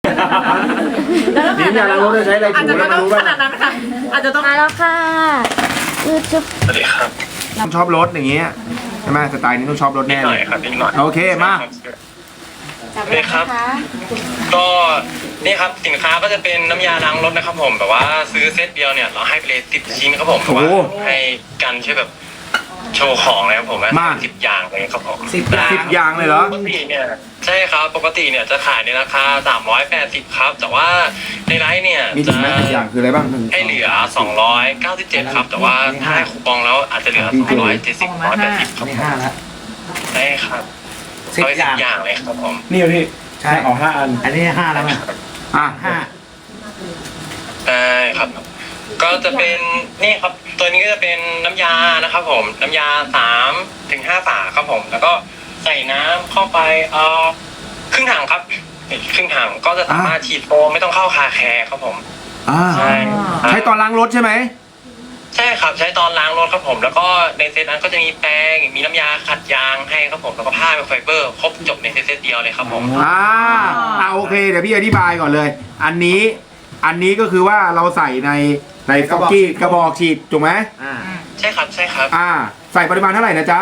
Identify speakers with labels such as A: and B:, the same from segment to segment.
A: นี่ยาล้างรถจะใช้อะไร
B: อาจ
A: ถู
B: จะ
A: แล้ว
B: ไม่
A: มา
B: ต้อง
A: รู้
B: ข
A: ป่ะ
B: นาดนั้นค่ะอาจจะต้อง
C: มาแล้วค่ะจุ๊บ
D: สวัสดีครับ
A: ชอบรถอย่างเงี้ยใช่ไหมสไตล์นี้ต้องชอบรถ
D: นิด
A: แน่
D: หน่
A: เล
D: อย
A: ย
D: ครับนิดหน่อย
A: โอเคมา
C: จับเลยนะคะ
D: ก็นี่ครับสินค้าก็จะเป็นน้ำยาล้างรถนะครับผมแบบว่าซื้อเซตเดียวเนี่ยเราให้ไปเลย10 ชิ้นครับผมแบบว่าให้กันช่วยแบบโชว์ของเลยครับผม10 อย่างเลยครับผม
A: 10 อย่างเลยเหรอ
D: ปกติเนี่ยใช่ครับปกติเนี่ยจะขายในราคา380ครับแต่ว่าในไลฟ์เนี่ย
A: มี
D: จะ
A: ถึงไหม10 อย่างคืออะไรบ้าง
D: ให้เหลือ297ครับแต่ว่าถ้าให้คูปองแล้วอาจจะเหลือ270 180ครับ
E: นี่5แล้ว
D: ใช่ครับ
E: 10
D: เอาไป
E: อย่าง
D: 10 อย่างเลยครับผม
F: นี่พี่
E: ใช่
F: ออก5 อัน
E: อันนี้5แล้วไง
A: อ่ะ
D: ได้ครับ ก็จะเป็นนี่ครับตัวนี้ก็จะเป็นน้ำยานะครับผมน้ำยา3 ถึง 5 ฝาครับผมแล้วก็ใส่น้ำเข้าไปครึ่งถังครับครึ่งถังก็จะสามารถฉีดโฟมไม่ต้องเข้าคาแคร์ครับผม
A: อ่า
D: ใช่
A: ใช้ตอนล้างรถใช่ไหม
D: ใช่ครับใช้ตอนล้างรถครับผม แล้วก็ในเซตนั้นก็จะมีแป้งมีน้ำยาขัดยางให้ครับผมแล้วก็ผ้าเป็นไฟเบอร์ครบจบในเซตเดียวเลยครับผม
A: โอเคเดี๋ยวพี่อธิบายก่อนเลย อันนี้ก็คือว่าเราใส่ในฟอกกี้กระบอกฉีดถูกไหม
D: ใช่ครับใช่ครับ
A: ใส่ปริมาณเท่าไหร่นะจ๊ะ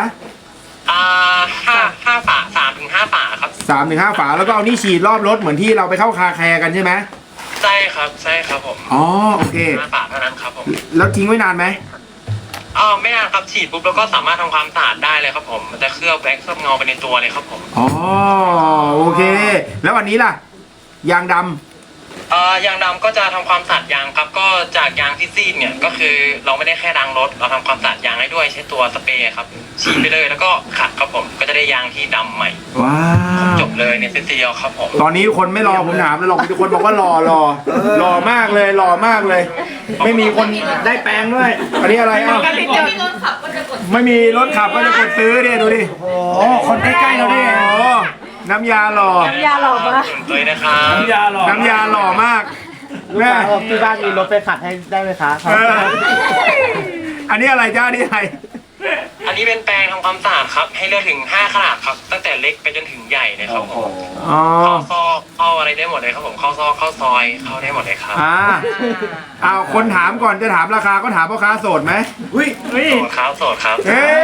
D: ห้าฝา3 ถึง 5 ฝาครับ
A: 3 ถึง 5 ฝาแล้วก็เอานี่ฉีดรอบรถเหมือนที่เราไปเข้าคาแคร์กันใช่ไหม
D: ใช่ครับใช่ครับผม
A: อ๋อโอเค
D: 5 ฝาเท่านั้นครับผม
A: แล้วทิ้งไว้นานไหม
D: ไม่นานครับฉีดปุ๊บแล้วก็สามารถทำความสะอาดได้เลยครับผมมันจะเคลือบแว็กซ์เคลือบเงาไปในตัวเลยครับผม
A: อ๋อโอเค แล้ววันนี้ล่ะยางดำ
D: ยางดำก็จะทำความสะอาดยางครับก็จากยางที่ซีดเนี่ยก็คือเราไม่ได้แค่ล้างรถเราทำความสะอาดยางให้ด้วยใช้ตัวสเปรย์ครับฉีดไปเลยแล้วก็ขัดครับผมก็จะได้ยางที่ดำใหม่
A: ว้าว
D: จบเลยในเซตเดียวครับผม
A: ตอนนี้คนไม่รอผมถามแล้วหรอกมีทุกคนบอกว่ารอหล่อมากเลยหล่อมากเลย ไม่มีคนได้แปลงด้วยอันนี้อะไรอ่ะไม่มีรถขับก็จะกดซื้อดิดูดิ
E: โอ้คนใกล้ๆเราดิ
A: โอ้น้ำยาหล่อ
C: น้ำยาหล่อมาก
D: เลยนะครับ
F: น้ำยาหล่อ
A: น้ำยาหล่อมากแม่
E: ที่บ้านมีรถไปขัดให้ได้ไหมคะ
A: อันนี้อะไรจ้าอันนี้อะไร
D: อันนี้เป็นแปรงทำความสะอาดครับให้เลือกถึง5 ขนาดครับตั้งแต่เล็กไปจนถึงใหญ่เลยครับผม
A: อ๋อ
D: เข้าซอกเข้าอะไรได้หมดเลยครับผมเข้าซอกเข้าซอยเข้าได้หมดเลยครับ
A: เอาคนถามก่อนจะถามราคาก็ถามพ่อค้าโสดไหม
D: โสดครับโสดครับ
A: เฮ้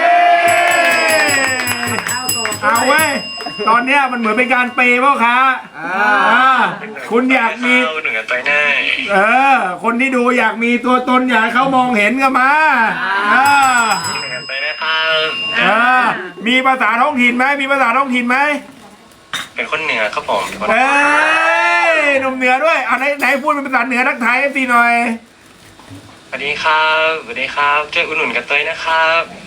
A: เอาเว้ยตอนเนี้ยมันเหมือนเป็นการเปย์พ่อค้าคุณอยากมี
D: หนึ่งกันไปแน่
A: คนที่ดูอยากมีตัวตนอยากให้เขามองเห็นก็มา
D: หนึ่งกันไปนะครับ
A: มีภาษาท้องถิ่นไหมมีภาษาท้องถิ่นไหม
D: เป็นคนเหนือครับผมเป็นคน
A: เอ้ยหนุ่มเหนือด้วยไหนพูดเป็นภาษาเหนือทักทายสิหน่อย
D: สวัสดีครับสวัสดีครับช่วยอุดหนุนกันเตยนะครับ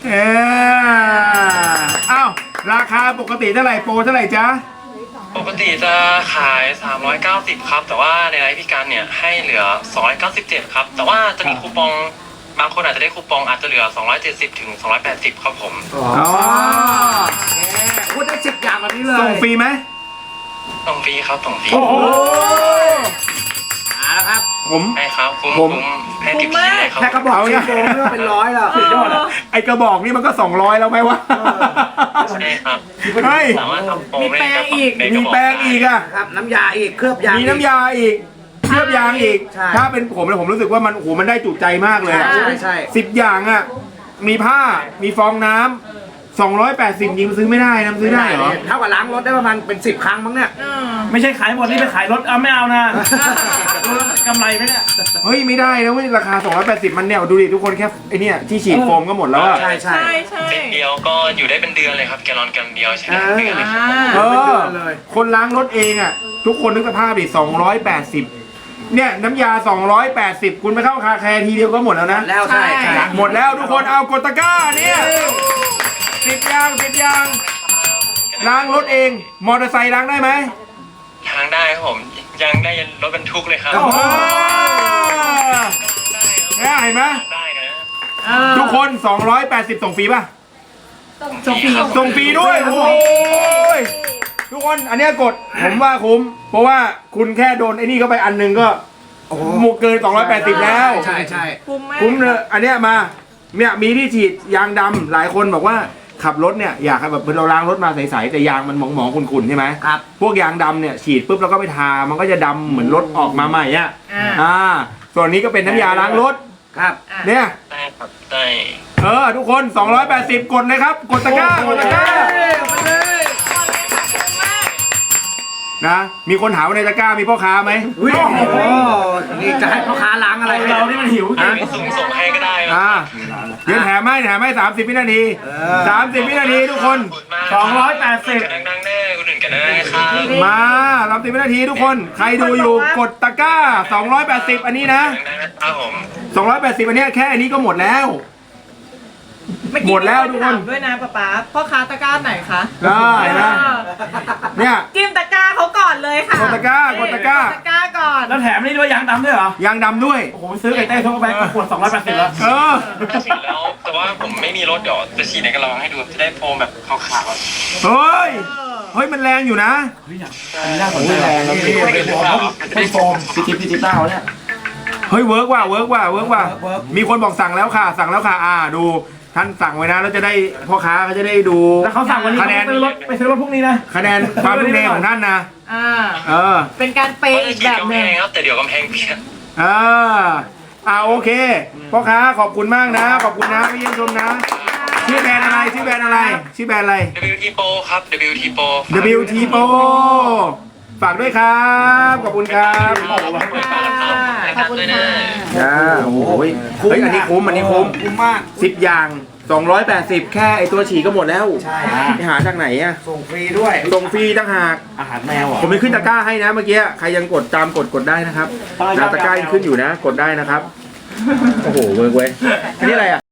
A: อ้าวราคาปกติเท่าไหร่โปรเท่าไหร่จ๊ะ
D: ปกติจะขาย390ครับแต่ว่าในไลฟ์พี่การเนี่ยให้เหลือ297ครับแต่ว่าจะมีคูปองบางคนอาจจะได้คูปองอาจจะเหลือ270 ถึง 280ครับผม
A: อ๋อ
E: พูดได้10 อย่างแบบนี้เลย
A: ส่งฟรีไหม
D: ต้องฟรีครับต้องฟรี
A: โอ้โห
E: มาแล้วครับ
A: ผม
D: ให้ครับคุ้ม
A: ผม
D: ให้ติดชิ้นเลยครับ
E: แค่กระบอกชีโฟมนี่ก็เป็นร้อยแล้วสุดยอดอ่ะ
A: ไอกระบอกนี่มันก็200แล้วไหมวะ
D: ใช่ครับ
A: เฮ้ย
D: สามารถทำโปร
B: มีแปรงอีก
D: ใน
A: มี
D: ระบอก
A: แปรงอีกอ่ะ
E: ครับน้ำยาอีกเคลือบยาง
A: มีน้ำยาอีกเคลือบยางอีก
E: ใช่
A: ถ้าเป็นผมเนี่ยผมรู้สึกว่ามันโอ้โหมันได้จุใจมากเลยอะ
E: ใช่ใช่
A: 10 อย่างอ่ะ มีผ้า มีฟองน้ำ280ยิงซื้อไม่ได้นะซื้อได้เหรอ
E: เท่ากับล้างรถได้ประมาณเป็น10 ครั้งมั้งเนี่ย
F: ไม่ใช่ขายหมดนี่ไปขายรถไม่เอานะกำไรไหมเนี่ย
A: เฮ้ยไม่ได้นะเว้ยราคา280มันเนี่ยดูดิทุกคนแค่ไอเนี่ยที่ฉีดโฟมก็หมดแล้วอะ
E: ใช่ใช่
B: ใช่
D: เซตเดียวก็อยู่ได้เป็นเดือนเลยครับแกลลอนกันเดียวใช้ได้เป็นเดือนเลยครับ
A: เอ
E: เป็นเดื
A: อ
E: อนเลย
A: คนล้างรถเองอ่ะ ทุกคนนึกสภาพดิ280เนี่ยน้ำยา280คุณไปเข้าคาแคร์ทีเดียวก็หมดแล้วนะ
E: แล้วใช่ใช่
A: หมดแล้วทุกคนเอากดตะกร้าเนี่ย10 อย่างล้างรถเองมอเตอร์ไซค์ล้างได้ไหม
D: ทางได้ครับผมยังได้ยันรถบรรทุกเลยครับ
A: โอ้โหเนี่ยเห็นไหม
D: ได้นะ
A: ทุกคน280ส่งฟรีป่ะ
D: ส่งฟรีครับ
A: ส่งฟรีด้วยโอ้ยทุกคนอันเนี้ยกดผมว่าคุ้มเพราะว่าคุณแค่โดนไอ้นี่เข้าไปอันหนึงก็
E: โอ้โห
A: หมดเกิน280แล้ว
E: ใช่ใช่
B: คุ้มมาก
A: คุ้มเลยอันเนี้ยมาเนี่ยมีที่ฉีดยางดำหลายคนบอกว่าขับรถเนี่ยอยากให้แบบเราล้างรถมาใสๆแต่ยางมันหมองๆขุ่นๆใช่ไหม
E: ครับ
A: พวกยางดำเนี่ยฉีดปุ๊บแล้วก็ไปทามันก็จะดำเหมือนรถออกมาใหม่อ่ะส่วนนี้ก็เป็นน้ำยาล้างรถ
E: ครับ
A: เนี่ย
D: ได้ครับได้
A: ทุกคน 280 กดเลยครับ กดตะกร้ากดตะกร้านะมีคนถามว่าในตะกร้ามีพ่อค้าไหม
E: อุ้ยโอ้โหนี่จะให้พ่อค้าล้างอะไร
F: เรานี่มันหิวจริง
D: ส่งให้ก็ได้นะ
A: เดี๋ยวแถมให้30 วินาที 30 วินาทีทุกคน
F: 280
D: ดังๆแน่คนอื่นกันได้ครับ
A: มา30 วินาทีทุกคน ใครดูอยู่กดตะกร้า 280 อันนี้นะ
D: ดังๆนะครับผม
A: 280 อันเนี้ยแค่อันนี้ก็หมดแล้ว หมดแล้วทุกคน
B: ด้วยนะป๊าพ่อค้าตะกร้าไหนคะ
A: ได้นะเนี่ย
B: จิ้มตะกร้าเขาก่อนเลยค่ะ
A: กดตะกร้ากดตะกร้า
B: ตะกร้าก่อน
F: แล้วแถมนี่ด้วยยางดำด้วยเหรอ
A: ยางดำด้วย
F: โอ้โหซื้อไก่เต้ทั่วไปก็ขวด280แล้ว
D: ฉีดแล้วแต่ว่าผมไม่มีรถเดี๋ยวจะฉีดในกระลองให้ดูจะได้โฟมแบบขาว
A: เฮ้ยมันแรงอยู่นะ
F: น่าสนใจแรงแล้วไม่โฟมพิจิตเต้าเนี่ย
A: เฮ้ยเวิร์กว่ามีคนบอกสั่งแล้วค่ะดูท่านสั่งไว้นะแล้วจะได้พ่อค้าเขาจะได้ดู
F: แล้วเขาสั่งวันนี้
A: คะแนน
F: ไปซื้อรถพวกนี้นะ
A: คะแนนความทุ่มเทของท่านนะ
B: เป็นการเป
D: ๆ
B: ย์อีกแบบ
D: กำ
B: ห
D: แพ
B: นึ่ง
D: งครับแต่เดี๋ยวกำแพงเปียก
A: โอเคพ่อค้าขอบคุณมากนะขอบคุณนะพี่เยี่ยมชมนะชื่อแบรนด์อะไร
D: WT Pro ครับ WT Pro
A: WT Pro ฝากด้วยครับขอบคุณครับ
B: ขอบคุณค่ะ
A: โอ้ยเฮ้ยอันนี้คุ้ม
E: มาก
A: 10 อย่าง 280 แค่ไอตัวฉี่ก็หมดแล้ว
E: ใช่
A: ไปหาจากไหนอะ
E: ส่งฟรีด้วย
A: ส่งฟรีต่างหาก
F: อาหารแมวอ่ะ
A: ผมมีขึ้นตะกร้าให้นะเมื่อกี้ใครยังกดได้นะครับตะกร้ายังขึ้นอยู่นะกดได้นะครับโอ้โหเวิร์กเว้ยอันนี้อะไรอะ